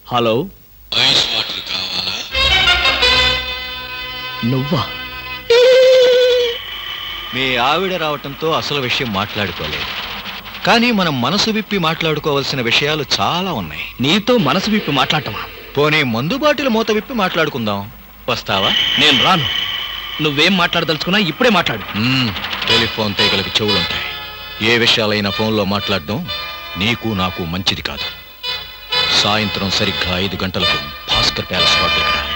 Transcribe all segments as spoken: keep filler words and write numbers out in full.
Hello, ice water కావాలా? నువ్వా? మీ ఆవిడ రావటంతో అసలు విషయం మాట్లాడుకోలేదు, కానీ మనం మనసు విప్పి మాట్లాడుకోవాల్సిన విషయాలు చాలా ఉన్నాయి. నీతో మనసు విప్పి మాట్లాడటమా? పోనీ మందు బాటిల్ మూత విప్పి మాట్లాడుకుందాం. వస్తావా? నేను రాను. నువ్వేం మాట్లాడదలుచుకున్నా ఇప్పుడే మాట్లాడు. మ్మ్, టెలిఫోన్ తీగలకి చెవులుంటాయి. ఏ విషయాలైనా ఫోన్లో మాట్లాడడం నీకు నాకు మంచిది కాదు. సాయంత్రం సరిగ్గా ఐదు గంటలకు భాస్కర్ ప్యాలెస్ హోటల్కి రా.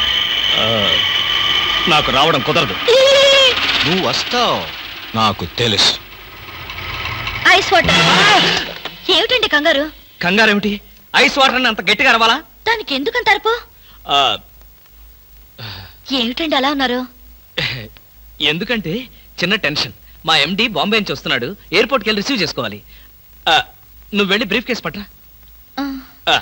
నాకు రావడం కుదరదు. నువ్వు వస్తావు, నాకు తెలుసు. Ice water. ఏమిటండి కంగారు? కంగారేమిటి? ఐస్ వాటర్ అని అంత గట్టిగా అరవాలా? దానికి ఎందుకంత అరుపు? ఆ, ఏమిటండి అలా ఉన్నారు? ఎందుకంటే చిన్న టెన్షన్. మా ఎండి బాంబే నుంచి వస్తున్నాడు, ఎయిర్పోర్ట్కి వెళ్ళి రిసీవ్ చేసుకోవాలి. ఆ, నువ్వు వెళ్ళి బ్రీఫ్ కేసు పట్రా. ఆ, ఆ.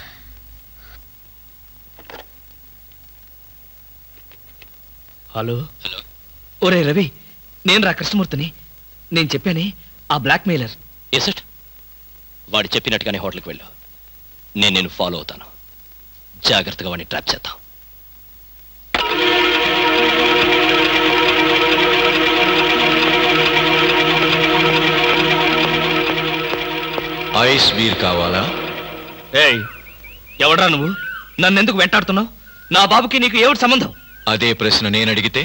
Hello hello. ఒరే రవి, నేను రా కృష్ణమూర్తిని. నేను చెప్పానే ఆ బ్లాక్ మెయిలర్. Yes it. వాడు చెప్పినట్టుగానే హోటల్కి వెళ్ళు. నేను నేను ఫాలో అవుతాను. జాగ్రత్తగా వాడిని ట్రాప్ చేద్దాం. ఐస్ బీర్ కావాలా? ఏయ్, ఎవడ్రా నువ్వు? నన్ను ఎందుకు వెంటాడుతున్నావు? నా బాబుకి నీకు ఏమిటి సంబంధం? అదే ప్రశ్న నేను అడిగితే?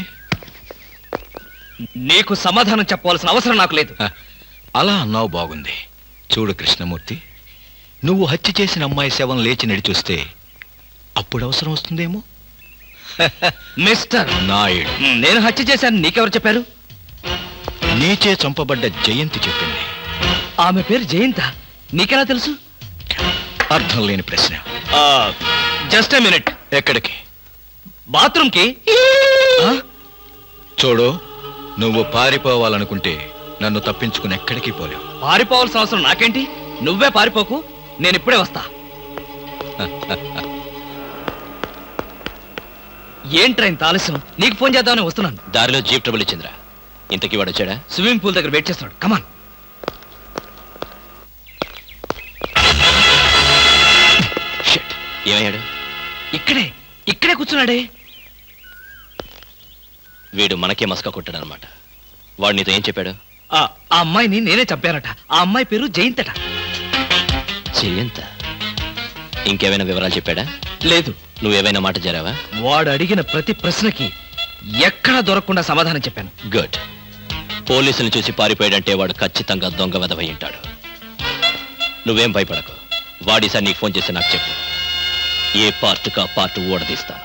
నీకు సమాధానం చెప్పవలసిన అవసరం నాకు లేదు. హ, అలా అన్నావు, బాగుంది. చూడు కృష్ణమూర్తి, నువ్వు హత్య చేసిన అమ్మాయి శవం లేచి నడిచొస్తే అప్పుడు అవసరం వస్తుందేమో. మిస్టర్ నాయుడు, నేను హత్య చేశాను నీకెవరు చెప్పారు? నీచే చంపబడ్డ జయంతి చెప్పింది. ఆమె పేరు జయంత, నీకెలా తెలుసు? అర్థం లేని ప్రశ్న. Just a minute. ఎక్కడికి? బాత్రూమ్ కి. చూడు, నువ్వు పారిపోవాలనుకుంటే నన్ను తప్పించుకుని ఎక్కడికి పోలేవు. పారిపోవాల్సిన అవసరం నాకేంటి? నువ్వే పారిపోకు, నేను ఇప్పుడే వస్తా. ఏంట్రా ఇంత ఆలస్యం? నీకు ఫోన్ చేద్దామని వస్తున్నాను. దారిలో జీప్ ట్రబుల్ ఇచ్చిందిరా. ఇంతకీ వాడు వచ్చాడా? స్విమ్మింగ్ పూల్ దగ్గర వెయిట్ చేస్తున్నాడు. కమాన్. షిట్. ఏమయ్యాడు? ఇక్కడే ఇక్కడే కూర్చున్నాడే. వీడు మనకే మస్కా కొట్టాడనమాట. వాడు నీతో ఏం చెప్పాడు? ఆ ఆ అమ్మాయిని నేనే చంపానట. ఆ అమ్మాయి పేరు జయంతట. జయంత? ఇంకేమైనా వివరాలు చెప్పాడా? లేదు. నువ్వేమైనా మాట జరావా? వాడు అడిగిన ప్రతి ప్రశ్నకి ఎక్కడా దొరకకుండా సమాధానం చెప్పాను. గుడ్. పోలీసులు చూసి పారిపోయాడంటే వాడు ఖచ్చితంగా దొంగ వెధవై ఉంటాడు. నువ్వేం భయపడకు. వాడిసారి నీకు ఫోన్ చేసి నాకు చెప్పు. ఏ పార్ట్ కా పార్ట్ ఓడదీస్తాను.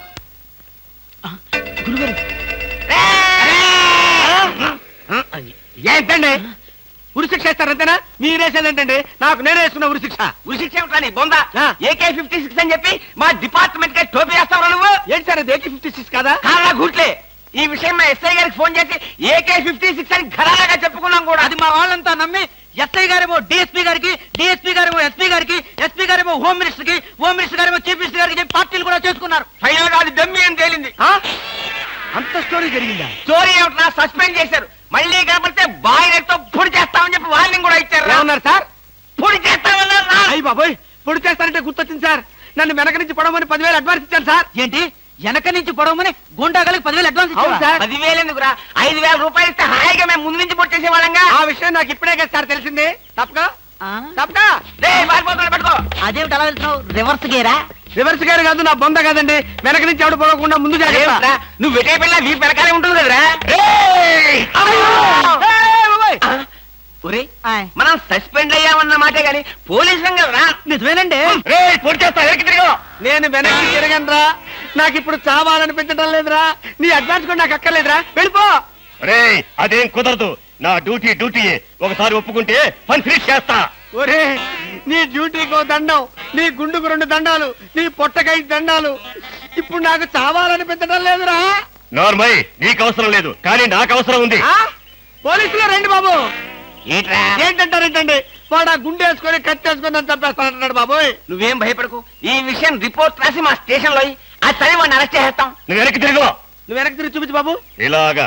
ఏంటండి ఉరిశిక్ష ఇస్తారంతేనా? మీరేసేదేంటండి? నాకు నేనే వేసుకున్న ఉరిశిక్ష. ఉరిశిక్ష ఏమిటని బొంద? ఏకే ఫిఫ్టీ సిక్స్ అని చెప్పి మా డిపార్ట్మెంట్ కి టోపీ వేస్తావు నువ్వు. ఏంటి సార్ అది? ఏకే ఫిఫ్టీ సిక్స్ కదా? కాదా గుట్లే. ఈ విషయం మా ఎస్ఐ గారికి ఫోన్ చేసి ఏకే ఫిఫ్టీ సిక్స్ అని ఘరాగా చెప్పుకున్నాం కూడా. అది మా వాళ్ళంతా నమ్మి ఎస్ఐ గారేమో డిఎస్పీ గారికి, డిఎస్పీ గారేమో ఎస్పీ గారికి, ఎస్పీ గారేమో హోమ్ మినిస్టర్ కి, హోమ్ మినిస్టర్ గారేమో చీఫ్ మినిస్టర్ గారికి చెప్పి పార్టీలు కూడా చేసుకున్నారు. ఫైనల్ గా అది దమ్మి అని తేలింది. అంత స్టోరీ జరిగిందా? స్టోరీ ఏమిటా? సస్పెండ్ చేశారు. మళ్ళీ కనపడితే బాయిలతో పొడి చేస్తామని చెప్పి వార్నింగ్ కూడా ఇచ్చారు. ఏమన్నారు సార్? పొడి చేస్తామన్నారు. అయ్యి బాబోయ్, పొడి చేస్తారంటే గుర్తొచ్చింది సార్. నన్ను వెనక నుంచి పొడవమని పదివేలు అడ్వాన్స్ ఇచ్చాను సార్. ఏంటి? వెనక నుంచి పొడవమని గుండాగలకి పదివేలు అడ్వాన్స్ ఇచ్చారు సార్. పదివేలు ఎందుకురా? ఐదు వేల రూపాయలు ఇస్తే హాయిగా మేము ముందు నుంచి పొడి చేసేవాళ్ళంగా. ఆ విషయం నాకు ఇప్పుడే కదా సార్ తెలిసింది. తప్పగా తప్పగా పట్టుకో. అదేమిటి అలా వెళ్తున్నావు? రివర్స్ గేరా? రివర్స్ గేర్ కాదు, నా బొంద కాదండి. వెనక నుంచి ఎవడు పోకుండా ముందు జాగ్రత్త. నువ్వు వెటే పిల్ల మీ వెనకాలే ఉంటుంది కదరా. మనం సస్పెండ్ అయ్యామన్న మాటే గాని పోలీసు కదరా. నిజమేనండి. నేను వెనక్కి తిరగనరా. నాకు ఇప్పుడు చావాలనిపించడం లేదురా. నీ అడ్వాన్స్ కూడా నాకు అక్కర్లేదురా. వెళ్ళిపో. రే, అదేం కుదరదు. నా డ్యూటీ డ్యూటీ. ఒకసారి ఒప్పుకుంటే పని ఫినిష్ చేస్తా. ఒరే, నీ డ్యూటీకో దండం, నీ గుండుకు రెండు దండాలు, నీ పొట్టకై దండాలు. ఇప్పుడు నాకు చావాలనిపించడం లేదురా. నార్మల్, నీకు అవసరం లేదు, కానీ నాకు అవసరం ఉంది. పోలీసులు రండి బాబు. ఏంటంటారేంటండి? వాడు ఆ గుండె వేసుకొని కత్తి వేసుకొని నన్ను చంపేస్తానంటున్నాడు బాబోయ్. నువ్వేం భయపడకు. ఈ విషయం రిపోర్ట్ రాసి మా స్టేషన్ లో ఆ చదివి వాడిని అరెస్ట్ చేస్తాం. నువ్వు వెనక్కి తిరుగు. నువ్వు వెనక్కి తిరిగి చూపించు బాబు. ఇలాగా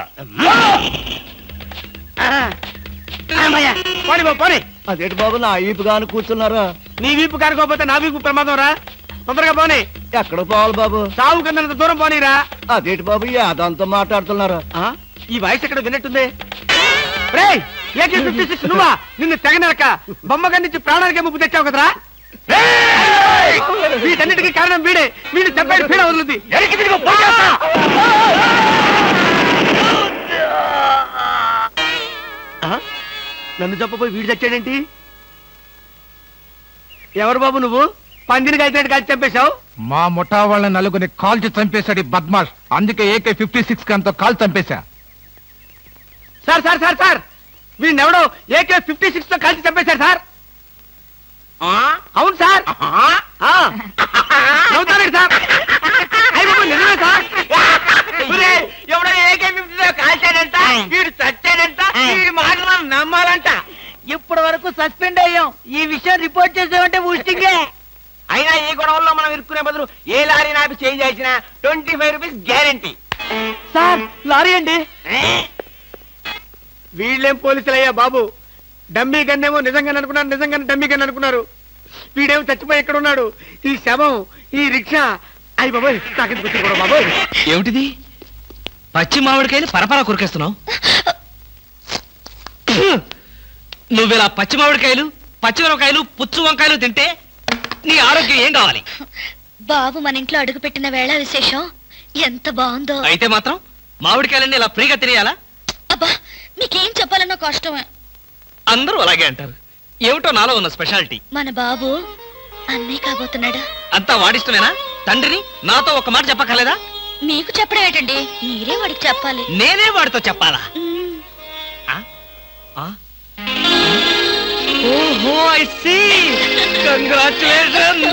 పోనీ బాబు పోనీ. అదేంటి బాబు, నా ఈపు గాను కూర్చున్నారా? నీ వీపు కానుకోకపోతే నా వీపు ప్రమాదం రా. తొందరగా పోనీ. ఎక్కడ పోవాలి బాబు? సాగు కింద దూరం పోనీరా. అదేంటి బాబు యాదంతో మాట్లాడుతున్నారు? ఆ? ఈ వాయిస్ ఎక్కడ విన్నట్టుంది. రేయ్ ఏకే ఫిఫ్టీ సిక్స్ నువ్వా? నిన్ను తెగనరక బొమ్మగా నుంచి ప్రాణానికే ముప్పు తెచ్చావు కదరా. రేయ్! వీటన్నిటికీ కారణం వీడే. వీడు చెప్పాడు పీడ వదులుద్ది. ఎరికి తిరిగి పోయేస్తా. ఆ? నన్ను చెప్పబోయి వీడు చచ్చాడేంటి? ఎవరు బాబు నువ్వు? పందిని కలిసినట్టు కలిసి చంపేశావు. మా ముఠా వాళ్ళ నలుగురిని కాల్చి చంపేశాడు ఈ బద్మాష్. అందుకే ఏకే ఫిఫ్టీ సిక్స్ గన్తో కాల్ చంపేశా. సార్ సార్ సార్ సార్ వీడిని ఎవడో ఏకే ఫిఫ్టీ సిక్స్ తో కలిసి చంపేశారు సార్. అవును సార్. నవ్వుతారండి సార్. అయ్య బాబు నిజమే సార్. ఎవడో ఏకే ఫిఫ్టీ తో కాల్చాడంట, వీడు చచ్చాడంట, వీడి మాటలు మనం నమ్మాలంట. ఇప్పటి వరకు సస్పెండ్ అయ్యాం. ఈ విషయం రిపోర్ట్ చేసామంటే ఊస్టింగే. అయినా ఈ గొడవల్లో మనం ఇరుక్కునే బదులు ఏ లారీ నాపి చేంజ్ చేసినా twenty five rupees guarantee. Sir lorry అండి. వీళ్ళేం పోలీసులయ్యా బాబు. డమ్మీ గన్నేమో నిజంగానే అనుకున్నారు, నిజంగానే డమ్మీ గన్ అనుకున్నారు. వీడేమో చచ్చిపోయి ఎక్కడ ఉన్నాడు. ఈ శవం, ఈ రిక్షా. అయ్యి బాబోయ్ నాకెందుకు వచ్చింది కూడా బాబోయ్. ఏమిటిది? పచ్చి మామిడికాయలు పరపరా కొరికేస్తున్నావు. నువ్విలా పచ్చి మామిడికాయలు, పచ్చిమిరపకాయలు, పుచ్చు వంకాయలు తింటే నీ ఆరోగ్యం ఏం కావాలి? బాబు మన ఇంట్లో అడుగు పెట్టిన వేళ విశేషం ఎంత బాగుందో. అయితే మాత్రం మామిడికాయలన్నీ ఇలా ఫ్రీగా తినేయాలా? అబ్బా మీకేం చెప్పాలన్నా కష్టమే. అందరూ అలాగే అంటారు. ఏమిటో నాలో ఉన్న స్పెషాలిటీ. మన బాబు అన్నీ కాబోతున్నాడు. అంతా వాడిష్టమేనా? తండ్రిని నాతో ఒక మాట చెప్పక్కర్లేదా? మీకు చెప్పడం ఏంటండి, మీరే వాడికి చెప్పాలి. నేనే వాడితో చెప్పాలా? మ్మ్. ఆ? ఆ? ఓహో ఐ సీ. కంగ్రాచులేషన్.